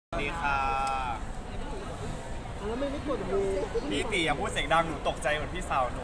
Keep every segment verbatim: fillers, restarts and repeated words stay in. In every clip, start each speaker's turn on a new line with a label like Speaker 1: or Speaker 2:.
Speaker 1: สวัสดีค่ะ
Speaker 2: แล้วไม่ไม่กดมือ
Speaker 1: พี่ตีอย่าพูดเสียงดังหนูตกใจเหมือนพี่สาวหนู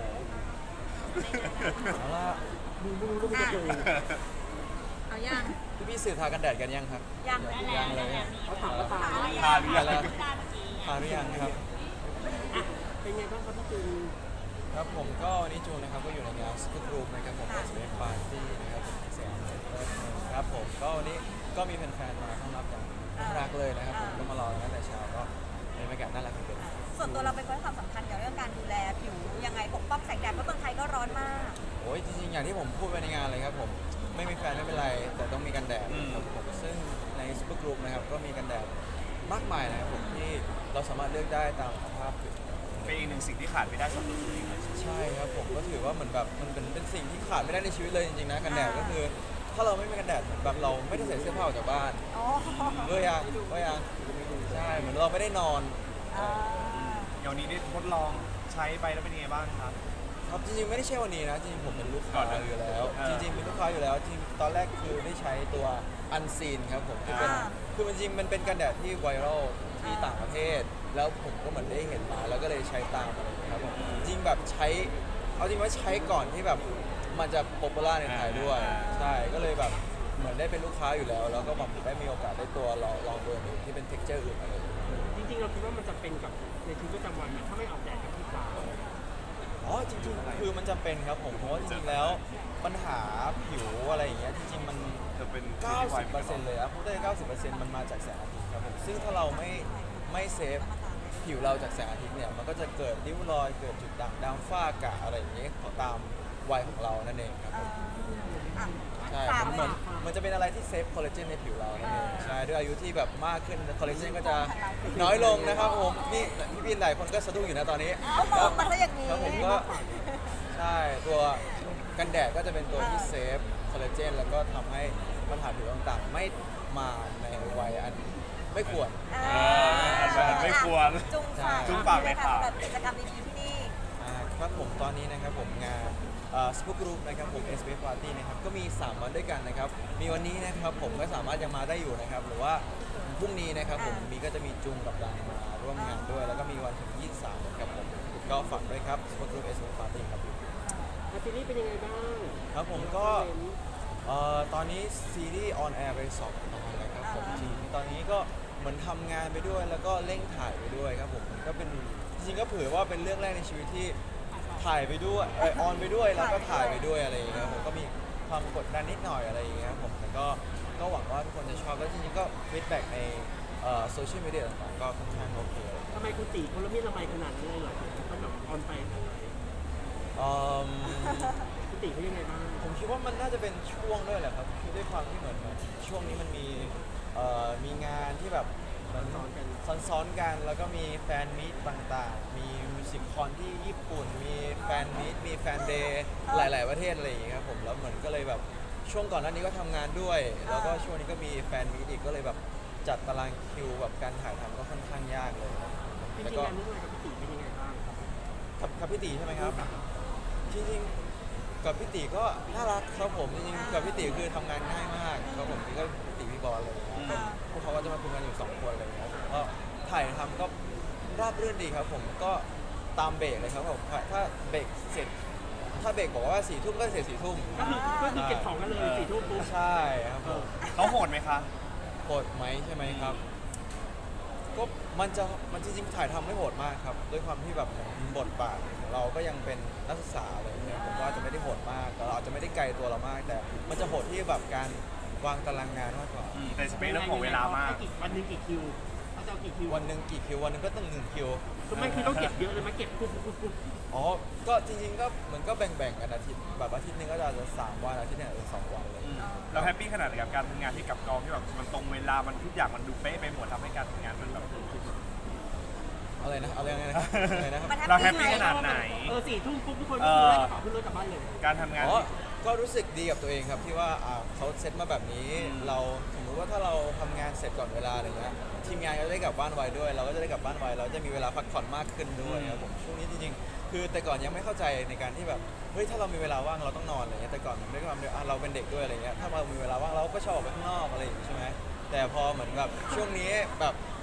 Speaker 3: เอาละ
Speaker 2: ดูไม่รู้ว่ามันจะเจอ
Speaker 4: เอายัง
Speaker 3: พี่พี่สื่อทากันแดดกันยังครับ
Speaker 4: ยัง
Speaker 3: ยังเลย
Speaker 2: เขาถามว่าตา
Speaker 1: ทาหรือยัง
Speaker 3: ทาหรือยังครับ
Speaker 2: อ่ะเป็นไงบ้างครับพี่จูน
Speaker 3: ครับผมก็วันนี้จูนนะครับก็อยู่ในงานสกู๊ปรูมนะครับผมเอสเอฟปาร์ตี้นะครับผมเสียงครับผมก็วันนี้ก็มีแฟนๆมาต้อนรับอย่างน่ารักเลยนะครับผมก็มารอตั้งแต่เช้าก็เป็นบรรยากาศน่ารักจริง
Speaker 4: ส่วนตัวเราเป็นคนให้ความสำคัญเกี่ยวกับเรื่องการดูแลผิวยังไงปกป้องแสงแดดเพราะเมืองไทยก็ร้อนมาก
Speaker 3: โอ้ยจริงๆอย่างที่ผมพูดไปในงานเลยครับผมไม่มีแฟนไม่เป็นไรแต่ต้องมีกันแดดครับผมซึ่งในสกู๊ปรูมนะครับก็มีกันแดดมากมายนะครับผมที่เราสามารถเลือกได้ตามสภาพผิว
Speaker 1: เป็นอีกหนึ่งสิ่งที่ขาดไม่ได้สำหรับตัวเองเลย
Speaker 3: ใช่ครับผมก็ถือว่าเหมือนแบบมันเป็นเป็นสิ่งที่ขาดไม่ได้ในชีวิตเลยจริงๆนะกันแดดก็คือ ถ้าเราไม่มีกันแดดเหมือนแบบเราไม่ได้ใส่เสื้อผ้าออกจากบ้าน
Speaker 4: อ๋อ
Speaker 3: เบื่อยังเบื่อยังใช่เหมือนเราไม่ได้นอน
Speaker 4: อ่า
Speaker 1: เดี๋ยวนี้ได้ทดลองใช้ไปแล้วเป็นยังไงบ้างครับ
Speaker 3: ครับจริงๆไม่ได้ใช่วันนี้นะจริงๆผมเป็นลูก
Speaker 1: ก่
Speaker 3: ค้า
Speaker 1: อนหน้า
Speaker 3: อยู่แล้ว
Speaker 1: เออ
Speaker 3: จริงๆเป็นลูกค้าอยู่แล้วจริงตอนแรกคือได้ใช้ตัวอันซีนครับผมที่เป็นคือมันจริงมันเป็นกันแดดที่ไวรัลที่ต่างประเทศ แล้วผมก็เหมือนได้เห็นมาแล้วก็เลยใช้ตามอะไรอย่างเงี้ยครับผมจริงแบบใช้เอาจริงว่าใช้ก่อนที่แบบมันจะป๊อปปูล่าในไทยด้วยใช่ก็เลยแบบเหมือนได้เป็นลูกค้าอยู่แล้ว แล้วก็แบบได้มีโอกาสได้ตัวลองลองตัวอื่นที่เป็นเท็กเจอร์อื่นอะไรอย่างเงี้ย
Speaker 2: จริงๆเราคิดว่ามันจะเป็นกับในชีวิตประจำวันไหมถ้าไม่ออกแดดกับที่ตา
Speaker 3: อ๋อจริงๆคือมันจำเป็นครับผมเพราะว่าจริงๆแล้วปัญหาผิวอะไรอย่างเงี้ยจริงๆมัน
Speaker 1: จะเป็น
Speaker 3: เก้าสิบเปอร์เซ็นต์เลยอะพูดได้เก้าสิบเปอร์เซ็นต์มันมาจากแสงอาทิตย์ครับผมซึ่งถ้าเราไม่ไม่เซฟผิวเราจากแสงอาทิตย์เนี่ยมันก็จะเกิดริ้วรอยเกิดจุดด่างดำฝ้ากระอะไรอย่างเงี้ยตามวัยของเรานั่นเองครับผม
Speaker 4: อ่ะ
Speaker 3: ใช่
Speaker 4: ฝาก
Speaker 3: มันเหมือนมันจะเป็นอะไรที่เซฟคอลลาเจนในผิวเรานั่นเองใช่ด้วยอายุที่แบบมากขึ้นคอลลาเจนก็จะน้อยลงนะครับผมนี่พี่ๆหลายคนก็สะดุ้งอยู่นะตอนนี้
Speaker 4: เอามองมาซะอย่างนี้
Speaker 3: ครับผมก็ใช่ตัวกันแดดก็จะเป็นตัวที่เซฟคอลลาเจนแล้วก็ทำให้ปัญหาผิวต่างๆ ไม่มาในวัยอันไม่ควร
Speaker 4: อ่า
Speaker 1: มันไม่ควร
Speaker 4: จุงฝาก
Speaker 1: จุงฝากเลยค่ะ
Speaker 4: สำหรับกิจกรรมดีๆที่นี่
Speaker 3: อ่าครับผมตอนนี้นะครับผมงานสปูกรูปนะครับผม เอส บี เอฟ Party นะครับก็มี สาม วันด้วยกันนะครับมีวันนี้นะครับผมก็สามารถยังมาได้อยู่นะครับหรือว่าพรุ่งนี้นะครับผมมีก็จะมีจุงกับดังมาร่วมงานด้วย แล้วก็มีวันถึงยี่สิบสามนะครับผมก็ฝากด้วยครับสปูกรูป เอส บี เอฟ Party ครับ
Speaker 2: แล้วซีรีส์เป็นยังไงบ้าง
Speaker 3: ครับผมก็เอ่อตอนนี้ซีรีส์ออนแอร์ไปสองตอนแล้วครับผมจริงๆตอนนี้ก็เหมือนทำงานไปด้วยแล้วก็เร่งถ่ายไปด้วยครับผมก็เป็นจริงๆก็เผื่อว่าเป็นเรื่องแรกในชีวิตที่ถ่ายไปด้วยเออออนไปด้วยแล้วก็ถ่ายไปด้วยอะไรอย่างเงี้ยครับผมก็มีความกดดันนิดหน่อยอะไรอย่างเงี้ยครับผมแต่ก็ก็หวังว่าทุกคนจะชอบแล้วจริงๆก็ฟีดแบ็กในโซเชียลมีเดียต่างๆก็ค่อนข้างโอเคเลย
Speaker 2: ทำไมคุณตีคนละมีดละไมขนาดนี้เลยเหรอต้องแบบออนไป
Speaker 3: เอิ่ม
Speaker 2: คุณตีเขายังไงบ้าง
Speaker 3: ผมคิดว่ามันน่าจะเป็นช่วงด้วยแหละครับคือด้วยความที่เหมือนแบบช่วงนี้มันมีเอ่อมีงานที่แบบมัน
Speaker 2: ซ้อนกัน
Speaker 3: ซ้อนๆกัน แล้วก็มีแฟนมีตต่างๆ มีมิวสิคคอนที่ญี่ปุ่น มีแฟนมีตมีแฟนเดย์หลาย ๆ ประเทศอะไรอย่างเงี้ยครับผมแล้วเหมือนก็เลยแบบช่วงก่อนหน้านี้ก็ทำงานด้วย แล้วก็ช่วงนี้ก็มีแฟนมีตอีกก็เลยแบบจัดตารางคิวแบบการถ่ายทำก็ค่อนข้างยากเลย
Speaker 2: จริ
Speaker 3: แต่
Speaker 2: งๆ
Speaker 3: ก็
Speaker 2: งานเรื่องอะไรกับพี่ตีเป็นยังไงบ้าง
Speaker 3: กับกับพี่ตีใช่ไหมครับจริงๆกับพี่ตีก็น่ารักครับผมจริงๆกับพี่ตีคือทำงานง่ายมากครับผมพี่ก็พี่ตีพี่บอลอะไรอย่างเลยนะพวกเขาก็จะมาคุยกันอยู่สองคนอะไรอย่างเงี้ยผมก็ถ่ายทำก็ราบรื่นดีครับผมก็ตามเบรกเลยครับผมถ้าเบรกเสร็จถ้าเบรกบอกว่าสี่ทุ่มก็เสร็จสี่ทุ่ม
Speaker 2: ก็คือก็คือเก็บของกันเลยสี่ทุ่มปุ๊บ
Speaker 3: ใช่ครับผม
Speaker 1: เขาโหดไหมคะ
Speaker 3: โหดไหมใช่ไหมครับก็มันจะมันจริงๆถ่ายทำไม่โหดมากครับด้วยความที่แบบบทบาทของเราก็ยังเป็นนักศึกษาอะไรอย่างเงี้ยผมก็อาจจะไม่ได้โหดมากแต่เราอาจจะไม่ได้ไกลตัวเรามาก แต่มันจะโหดที่แบบการวางตารางงานมากกว่า
Speaker 1: อืมแต่จะเป็นเรื่องของเวลามาก
Speaker 2: ให้กี่วันหนึงกี่คิวเขาจะเอากี่คิว
Speaker 3: วันหนึ่งกี่คิววันหนึ่งก็ต้องหนึ่งคิว
Speaker 2: คือไม่คือต้องเก็บเยอะเลยไหมเก็บปุ๊บปุ๊บปุ๊บปุ๊บ
Speaker 3: อ๋อก็จริงๆก็เหมือนก็แบ่งๆกันอาทิตย์แบบอาทิตย์หนึงก็จะสามวันอาทิตย์หนึงอาจจะสองวันเลย
Speaker 1: อืมเราแฮปปี้ขนาดไหนกับการทำงานที่กับกองที่แบบมันตรงเวลา มันทุกอย่างมันดูเป๊ะไปหมดทำให้การทำงานมันแบบ
Speaker 3: อะไรนะอะไรนะอะไรนะครับ
Speaker 4: มัน
Speaker 1: เราแฮปปี้ขนาดไหน
Speaker 2: เออสี่ทุ่มปุ๊บทุกคน
Speaker 1: เอ
Speaker 2: ก็
Speaker 1: อ
Speaker 2: ได้กระเป๋าขึ้นรถกลับบ้านเลย
Speaker 1: การทำงาน
Speaker 3: อ๋อ ก็รู้สึกดีกับตัวเองครับที่ว่าอ่าเขาเซตมาแบบนี้ เราสมมติว่าถ้าเราทำงานเสร็จก่อนเวลาอะไรเงี้ยทีมงานก็จะได้กลับบ้านไวด้วย เราก็จะได้กลับบ้านไวเราจะมีเวลาพักผ่อนมากขึ้นด้วยครับผมช่วงนี้จริงๆคือแต่ก่อนยังไม่เข้าใจในการที่แบบเฮ้ยถ้าเรามีเวลาว่างเราต้องนอนอะไรเงี้ยแต่ก่อนด้วยความที่อ่ะเราเป็นเด็กด้วยอะไรเงี้ยถ้าเรามีเวลาว่างเราก็ชอบออกไปข้างนอกอะไรอย่างงี้ใช่ไหมแต่พอเหมือนแบบช่วงนี้แบบ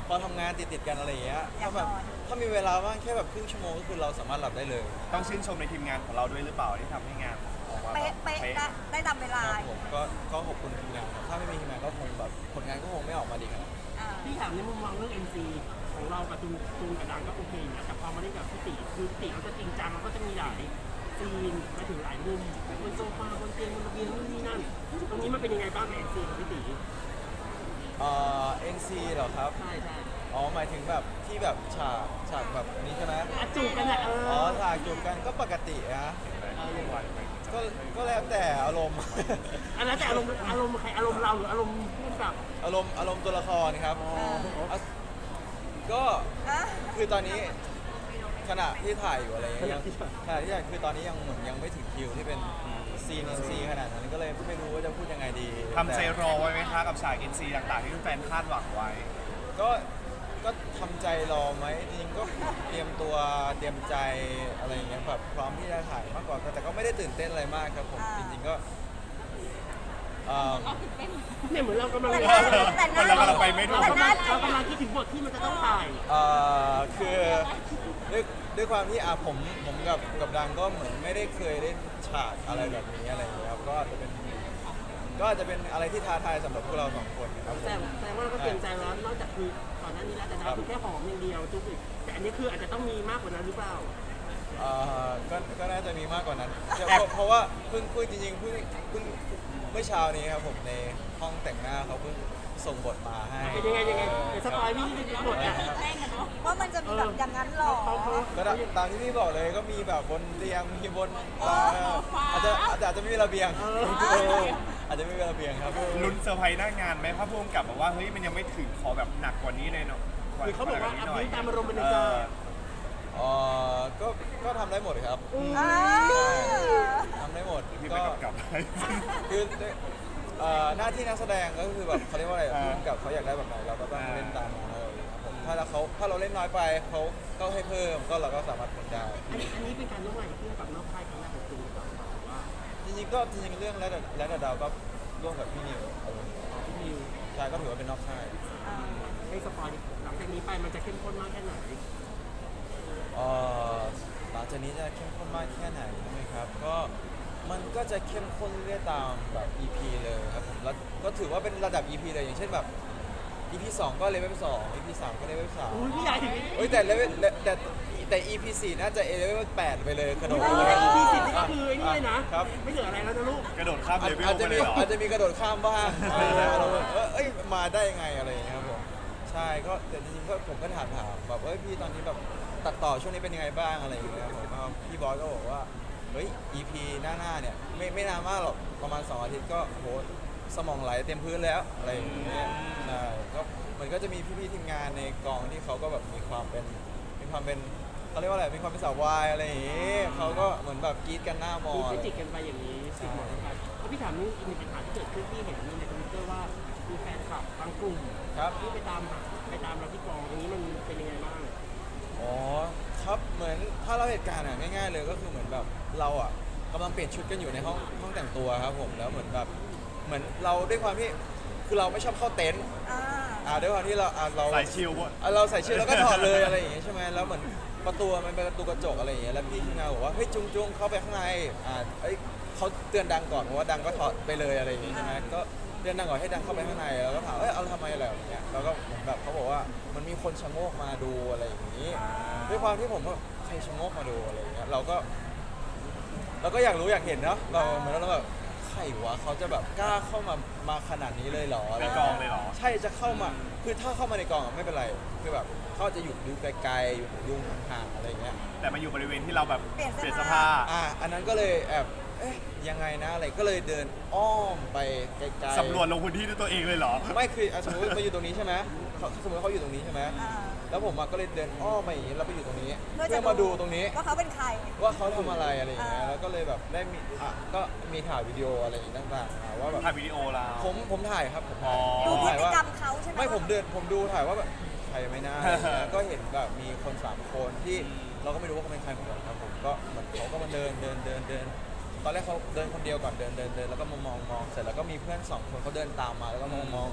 Speaker 3: พอทำงานติดติดๆกันอะไรอย่างเงี้ย
Speaker 4: อยา
Speaker 3: ถ้าก แบบ
Speaker 4: นอน
Speaker 3: ถ้ามีเวลาว่างแค่แบบครึ่งชั่วโมงก็คือเราสามารถหลับได้เลย
Speaker 1: ต้องชื่นชมในทีมงานของเราด้วยหรือเปล่าที่ทำให้งานออกมาแบบ
Speaker 4: เป๊ะเป๊ะได้ได้ตามเวลา
Speaker 3: ครับผมก็ก็ขอบคุณทีมงานครับถ้าไม่มีทีมงานก็คงแบบผลงานก็คงไม่ออกมาดีขนาดนั้น
Speaker 4: อ่า
Speaker 2: พี่ถามในมุมมองเรื่อง เอ็น ซี ของเรากับจูนจูนกับดังก็โอเคอยู่แล้วแต่พอมาเล่นกับพี่ติคือพี่ติเขาจะจริงจังแล้วก็จะมีหลายซีนมาถึงหลายมุมบนโซฟาบนเตียงบนระเบียงนู่นนี่นั่นตรงนี้มันเป็นยังไงบ้างกับ เอ็น ซี ของพี่ติ
Speaker 3: เอ่อ เอ็น ซี เหรอครับ
Speaker 2: ใช่ใช่
Speaker 3: อ๋อหมายถึงแบบที่แบบฉากฉากแบบนี้ใช่ไหม
Speaker 2: อ่ะจูบกันอ่ะเอ
Speaker 3: อ๋อ
Speaker 2: อ
Speaker 3: ฉากจูบกันก็ปกตินะ
Speaker 2: เอออย่างไร
Speaker 3: ก็ก็แล้วแต่อารมณ์
Speaker 2: อันนั้นแต่อารมณ์อารมณ์ใครอารมณ์เราหรืออารมณ์ผู้กำกับ
Speaker 3: อารมณ์อารมณ์ตัวละครครับ
Speaker 2: อ๋อ
Speaker 3: อ่ะก็
Speaker 4: อ่ะ
Speaker 3: คือตอนนี้ขณะที่ถ่ายอยู่อะไรเงี้ยยังขณะที่ถ่ายคือตอนนี้ยังเหมือนยังไม่ถึงคิวที่เป็นซีน เอ็น ซี ขนาดนั้นก็เลยไม่รู้ว่าจะพูดยังไงดี
Speaker 1: ทำใจ
Speaker 3: แต่
Speaker 1: รอไว้ไหมคะกับฉาก เอ็น ซี ต่างๆที่แฟนคาดหวังไว้
Speaker 3: ก็ก็ทำใจรอไหมจริงๆก็เตรียมตัวเตรียมใจอะไรอย่างเงี้ยแบบพร้อมที่จะถ่ายมากกว่าแต่ก็ไม่ได้ตื่นเต้นอะไรมากครับผมจริงๆก็เอ่อ
Speaker 2: เนี่ยเหมือนเรากำลัง
Speaker 4: แต่หน้าแต่หน้า
Speaker 1: เรากำลังไปไม่ถูก
Speaker 2: เรา
Speaker 4: แต่
Speaker 2: กำ
Speaker 4: ห
Speaker 2: ลั
Speaker 4: น้าง
Speaker 2: เรากำลังคิดถึงบทที่มันจะต้องถ่าย
Speaker 3: เอ่อคือด้วยด้วยความที่อ่ะผมผมกับกับดังก็เหมือนไม่ได้เคยเล่นฉากอะไรแบบนี้อะไรอย่างเงี้ยครับก็อาจจะเป็นก็อาจจะเป็นอะไรที่ท้าทายสำหรับพวกเราสองคนครับผม
Speaker 2: แต่แต่ว่าเราก็เกรงใจแล้วนอกจากคือก่อนหน้านี้แล้วแต่ดาวคือแค่หอมอย่างเดียวจุ๊บอีกแต่อันนี้คืออาจจะต้องมีมากกว่านั้นหรือเปล่า
Speaker 3: เอ่อก็ก็น่าจะมีมากกว่านั้นเพราะเพราะว่าเพิ่งเพิ่งจริงๆเพิ่งเพิ่งเมื่อเช้านี้ครับผมในห้องแต่งหน้าเขาเพิ่งส่งบทมาให้
Speaker 2: เป็นยังไงยังไงเดี๋ยวสปอยพี่ที่บทอ่ะ
Speaker 4: ว่ามันจะมีแบบอย่างนั้นหรอ
Speaker 2: เขาเขา
Speaker 3: ก็ตามตามที่พี่บอกเลยก็มีแบบบนเตียงมีบนเอ่ออาจจะอาจจะอาจจะไม่มีระเบียงอาจจะไม่มีระเบียงครับ
Speaker 1: ลุ้นเซอร์ไพรส์หน้างานไหมเพราะพุ่มกับบอกว่าเฮ้ยมันยังไม่ถึงขอแบบหนักกว่านี้เลยเนาะ
Speaker 2: หรือเขาบอกว่า
Speaker 1: นี้
Speaker 2: อัพ
Speaker 1: หน่อย
Speaker 2: นี้ตามอารมณ์มันใน
Speaker 1: เอ
Speaker 2: จอ
Speaker 1: อ
Speaker 3: เอ่อก็ก็ทำได้หมดครับ
Speaker 4: อ่า
Speaker 3: ทำได้หมด
Speaker 1: พี่
Speaker 3: ก็
Speaker 1: ไปกำกับให้
Speaker 3: คือเอ่อหน้าที่นักแสดงก็คือแบบเขาเรียกว่าอะไรพุ่มกับเขาอยากได้แบบไหนเราก็ต้องเล่นตามนั้นเลยครับผมถ้าเราเขาถ้าเราเล่นน้อยไปเขาก็ให้เพิ่มก็เราก็สามารถทำได้
Speaker 2: อันนี้อันนี้เป็นการร่วมงานกับผู้กำกับนอกค่ายครั้งแรกของจูนหรือเปล่าหรือว่า
Speaker 3: จริงๆก็จริงๆเรื่องแล้วแต่แล้วแต่ดาวก็ร่วมกับพี่นิวเอาเลย
Speaker 2: พี่นิว
Speaker 3: ใช่ก็ถือว่าเป็นนอกค่าย
Speaker 2: ให้สปอยหลังจากนี้ไปมันจะเข้มข้นมากแค่ไหน
Speaker 3: เอ่อหลังจากนี้จะเข้มข้นมากแค่ไหนใช่ไหมครับก็มันก็จะเข้มข้นเรื่อยๆตามแบบ อี พี เลยครับผมแล้วก็ถือว่าเป็นระดับ อี พี เลยอย่างเช่นแบบ อี พี สองก็เลเวลสอง อี พี สามก็เลเวลสาม
Speaker 2: อุ้ยพี่ใหญ่ถึง
Speaker 3: เฮ้ยแต่เลเวลแต่แต่ อี พี สี่น่าจะเลเวลแปดไปเลยกระโดด
Speaker 2: โอ้
Speaker 3: ไป
Speaker 2: ย
Speaker 3: เลย
Speaker 2: อีพีสิบนี่ก็คือไอ้นี่เลยนะครับ ไม่เหลืออะไรแล้วนะลูก
Speaker 1: กระโดดข้าม
Speaker 3: อา
Speaker 1: เล
Speaker 3: จ
Speaker 1: เวล
Speaker 3: อาจ
Speaker 1: ไป
Speaker 3: จะ
Speaker 1: เล
Speaker 3: มี
Speaker 1: ยเหรอ
Speaker 3: อาจจะมีกระโดดข้ามบ้างอะไรอย่างเงี้ยเราแบบเออเอ้ยมาได้ยังไงอะไรอย่างเงี้ยครับผมใช่ก็แต่จริงๆก็ผมก็ถามถามแบบเอ้ยพี่ตอนนี้แบบตัดต่อช่วงนี้เป็นยังไงบ้างอะไรอย่างเงี้ยครับผมก็พี่บอยก็บอกว่าเฮ้ย อี พี หน้าๆเนี่ยไม่ไม่นานมากหรอกประมาณสองอาทิตย์ก็โหสมองไหลเต็มพื้นแล้วอะไรอย่างเงี้ยใช่ก็มันก็จะมีพี่ๆทีมงานในกองที่เขาก็แบบมีความเป็นมีความเป็นเขาเรียกว่าอะไรมีความเป็นสาววายอะไรอย่างงี้เขาก็เหมือนแบบกรี๊ดกันหน้ามอ
Speaker 2: มี
Speaker 3: อะ
Speaker 2: เฟ
Speaker 3: ไร
Speaker 2: จิกกันไปอย่างนี้สิบหมดกันแล้วพี่ถามนี่อีกหนึ่งปัญหาที่เกิดขึ้นที่เห็นในทวิตเตอร์ว่ามีแฟนคลับบางกลุ่ม
Speaker 3: ครับ
Speaker 2: ที่ไปตามหาไปตามเราที่กองตรงนี้มันเป็นยังไงบ้าง
Speaker 3: อ๋อครับเหมือนถ้าเราเหตุการณ์อ่ะง่าย ๆ เลยก็คือเหมือนแบบเราอ่ะกำลังเปลี่ยนชุดกันอยู่ในห้องห้องแต่งตัวครับผมแล้วเหมือนแบบเหมือนเราด้วยความที่คือเราไม่ชอบเข้าเต็นท์
Speaker 4: อ่า
Speaker 3: อ่าด้วยความที่เราอ่าเรา
Speaker 1: สายชิลวะ
Speaker 3: อ่ะเราใส่ชุดแล้วก็ถอดเลยอะไรอย่างเงี้ยใช่ไหมแล้วเหมือนประตูมันเป็นประตูกระจกอะไรอย่างเงี้ยแล้วพี่ทีมงานบอกว่าเฮ้ยจุงจุงเข้าไปข้างในอ่าเอ้ยเขาเตือนดังก่อนเพราะว่าดังก็ถอดไปเลยอะไรอย่างเงี้ยใช่ไหมก็เตือนดังก่อนให้ดังเข้าไปข้างในแล้วก็ถามเอ้ยเอาทำไมอะไรแบบเนี้ยแล้วก็เหมือนแบบเขาบอกว่ามันมีคนชะโงกมาดูอะไรอย่างงี้ ด้วยความที่ผมก็ใครชะโงกมาดูอะไรอย่างเงี้ยเราก็เราก็อยากรู้อยากเห็นเนาะเราเหมือนเราแบบใครวะเขาจะแบบกล้าเข้ามามาขนาดนี้เลยเหรอ
Speaker 1: ในกองเลยเหรอ
Speaker 3: ใช่จะเข้ามาคือถ้าเข้ามาในกองอะไม่เป็นไรคือแบบเขาจะอยู่ดูไกลๆอยู่ดูห่างๆอะไรอย่างเงี้ย
Speaker 1: แต่มาอยู่บริเวณที่เราแบบ
Speaker 4: เปลี่ยนเสื้อ
Speaker 1: เสื้อ
Speaker 4: ผ้า
Speaker 1: ผ้า
Speaker 3: อ่ะอันนั้นก็เลยแอบเอ๊ะยังไงนะอะไรก็เลยเดินอ้อมไปไกลๆ
Speaker 1: สำรวจลงพื้นที่ด้วยตัวเองเลยเหรอ
Speaker 3: ไม่คืออ่ะสมมติมาอยู่ตรงนี้ใช่ไหมเขาสมมติเขาอยู่ตรงนี้ใช่ไหม
Speaker 4: อ่า
Speaker 3: แล้วผมอะก็เลยเดินอ้อมไปอย่างนี้แล้วไปอยู่ตรงนี้
Speaker 4: เพื่อจะ
Speaker 3: เพื่อมาดูตรงนี้
Speaker 4: ว่าเขาเป็นใคร
Speaker 3: ว่าเขาทำอะไรอะไรอย่างเงี้ย
Speaker 4: อ่า
Speaker 3: แล้วก็เลยแบบได้มีอ่ะก็มีถ่ายวิดีโออะไรอย่างเงี้ยต่างๆอ่ะว่าแบบ
Speaker 1: ถ่ายวิดีโอเรา
Speaker 3: ผมผมถ่ายครับผม
Speaker 1: อ๋
Speaker 3: ถ่าย
Speaker 1: อ
Speaker 4: ดู
Speaker 3: ผม ถ่ายว่าก
Speaker 4: พฤติรรมเขาใช่ไหม
Speaker 3: ไม่ผมเดินผมดูถ่ายว่าแบบใครไม่น่าอะไรอย่างเงี้ยก็เห็นแบบมีคนสามคนที่เราก็ไม่รู้ว่าเขาเป็นใครเหมือนกันครับผมก็เหมือนเขาก็มาเดินเดินเดินเดินตอนแรกเขาเดินคนเดียวก่อนเดินเดินเดินแล้วก็มามองมองเสร็จแล้วก็มีเพื่อนสองคนเขาเดินตามมาแล้วก็มองมอง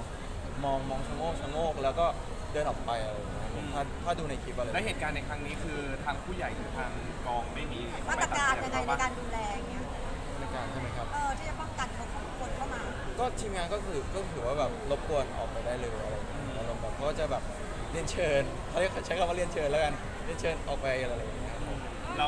Speaker 3: มองมองชะโงกชะโงกแล้วก็เดินออกไปอะไรอย่างเงี้ยผมถ้าถ้าดูในคลิปอะไร
Speaker 1: และเหตุการณ์ในครั้งนี้คือทางผู้ใหญ่หรือทางกองไม่มี
Speaker 4: มาตรการยังไงในการดูแลอย่างเงี้ย
Speaker 3: ในการใช่ไหมครับ
Speaker 4: เออที่จะป้องกันเขาคนเข้ามา
Speaker 3: ก็ทีมงานก็คือก็ถือว่าแบบรบกวนออกไปได้เลยอะไรอย่างเงี้ยแล้วแบบเขาก็จะแบบเรียนเชิญเขาเรียกใช้คำว่าเรียนเชิญแล้วกันเรียนเชิญออกไปอะไรอย่างเงี้ยครับผม
Speaker 1: เรา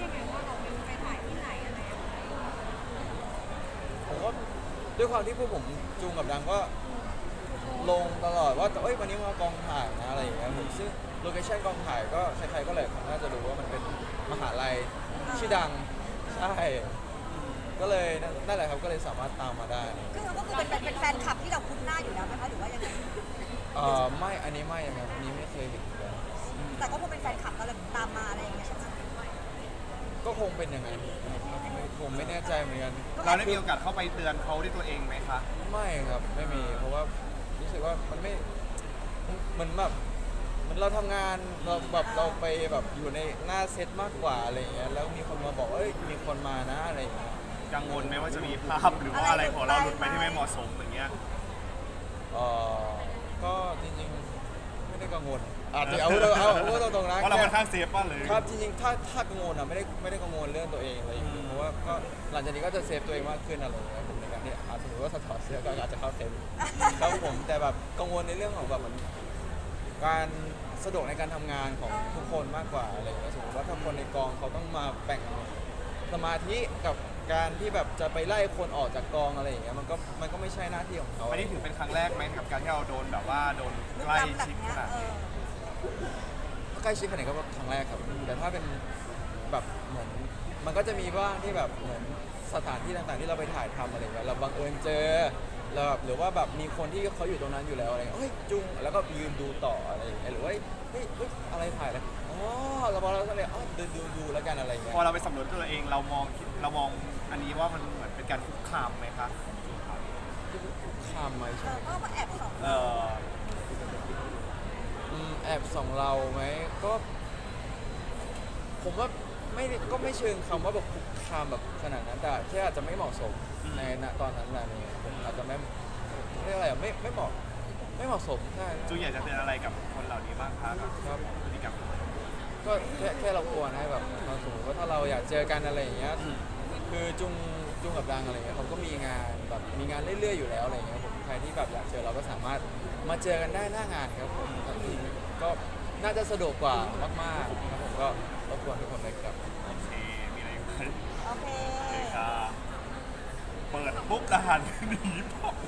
Speaker 3: ผมก็ด้วยความที่พวกผมจูงกับดังก็ลงตลอดว่าเอ้ยวันนี้มากองถ่ายนะอะไรอย่างเงี้ยผมซึ่งโลเคชั่นกองถ่ายก็ใครๆก็เลยน่าจะรู้ว่ามันเป็นมหาลัยชื่อดังใช่ก็เลยนั่นแหละครับก็เลยสามารถตามมาได้
Speaker 4: คือก็คือเป็นเป็นแฟนคลับที่เราคุ้นหน้าอยู่แล้วไหมคะหรือว่ายังไง
Speaker 3: เออไม่อันนี้ไม่นะครับอันนี้ไม่เคยเห็นเลย
Speaker 4: แต่ก็คงเป็นแฟนคลับเราเลยตามมาอะไรอย่างเงี้ยใช่ไหม
Speaker 3: ก็คงเป็นอย่างนั้นผมไม่แน่ใจเหมือนกัน
Speaker 1: เราได้มีโอกาสเข้าไปเตือนเขาด้วยตัวเองไหมคะ
Speaker 3: ไม่ครับไม่มีเพราะว่ารู้สึกว่ามันไม่เหมือนแบบเหมันเราทำงานเราแบบเราไปแบบอยู่ในหน้าเซตมากกว่าอะไรอย่างเงี้ยแล้วมีคนมาบอกว่าเอ้ยมีคนมานะอะไรอย่างเงี้ย
Speaker 1: กังวลไหมว่าจะมีภาพหรือว่าอะไรของเราหลุดไปที่ไม่เหมาะสมอย่างเงี้ย
Speaker 3: เออก็จริงๆไม่ได้กังวลอาจจะเอาเอาเอาเอาตรงๆนะ
Speaker 1: เพราะเราค่อนข้างเซฟป่ะเลย
Speaker 3: ครับจริงๆถ้าถ้ากังวลอ่ะไม่ได้ไม่ได้กังวลเรื่องตัวเองอะไรอย่างเงี้ยเพราะว่าก็หลังจากนี้ก็จะเซฟตัวเองมากขึ้นอะไรอย่างเงี้ยผมในการที่อาจสมมติว่าถอดเสื้อก็อาจจะเข้าเซฟครับผมแต่แบบกังวลในเรื่องของแบบเหมือนการสะดวกในการทำงานของทุกคนมากกว่าอะไรอย่างเงี้ยสมมติว่าถ้าคนในกองเขาต้องมาแบ่งสมาธิกับการที่แบบจะไปไล่คนออกจากกองอะไรอย่างเงี้ยมันก็มันก็ไม่ใช่หน้าที่ของเขา
Speaker 1: อันนี้ถือเป็นครั้งแรกไหมกับการที่เราโดนแบบว่าโดนใกล้
Speaker 4: แบบ
Speaker 1: ชิด
Speaker 4: เนี้
Speaker 1: ข
Speaker 4: ย
Speaker 1: นาด
Speaker 4: เอ
Speaker 1: นี้
Speaker 4: อ
Speaker 3: ใกล้ชิดขนาดไหนก็ครั้งแรกครับแต่ถ้าเป็นแบบเหมือนมันก็จะมีบ้างที่แบบเหมือนสถานที่ต่างๆที่เราไปถ่ายทำอะไรเงี้ยเราบังเอิญเจอเราแบบหรือว่าแบบมีคนที่เขาอยู่ตรงนั้นอยู่แล้วอะไรเงี้ยเฮ้ยจุงแล้วก็ยืนดูต่ออะไรอย่างเงี้ยหรือว่าเฮ้ยเฮ้ยอะไรถ่ายอะไรอ๋อเราบอกเราก็เลยอ๋อดูดูดูแล้วกันอะไรเงี้ย
Speaker 1: พอเราไปสำรวจตัวเองเรามองเรามองอันนี้ว่ามันเหมือนเป็นการคุกคามไหมคะ
Speaker 3: ข้ามไหม
Speaker 4: เอ
Speaker 3: ใช่
Speaker 4: อ
Speaker 3: ไหม
Speaker 4: ก็มาแอบส่อง
Speaker 1: เออ
Speaker 3: อืมแอบส่องเราไหมก็ ผมว่าไม่ได้ก็ไม่เชิงคำว่าแบบคุกคามแบบขนาดนั้นแต่แค่อาจจะไม่เหมาะสมในณตอนนั้นแหละเนี่ยผมอาจจะไม่เรียกอะไรอะไม่ไม่เหมาะไม่เหมาะสมใช่
Speaker 1: จูอยากจะเตือนอะไรกับคนเหล่านี้บ้างคะกับ
Speaker 3: ครับ
Speaker 1: พฤติกรรม
Speaker 3: ก็แค่แค่เราควรให้แบบสมมติว่าถ้าเราอยากเจอกันอะไรอย่างเงี้ยคือจุงจุงกับดังอะไรเงี้ยเขาก็มีงานแบบมีงานเรื่อยๆอยู่แล้วอะไรเงี้ยผมใครที่แบบอยากเจอเราก็สามารถมาเจอกันได้หน้างานครับผมก็น่าจะสะดวกกว่ามากๆครับผมก็รบกวนทุกคนเลยครับ
Speaker 1: โอเคมีอะไรอีกไหม
Speaker 4: โอเค
Speaker 1: โอเคค่ะเปิดปุ๊บรหัสหนีปุ๊บ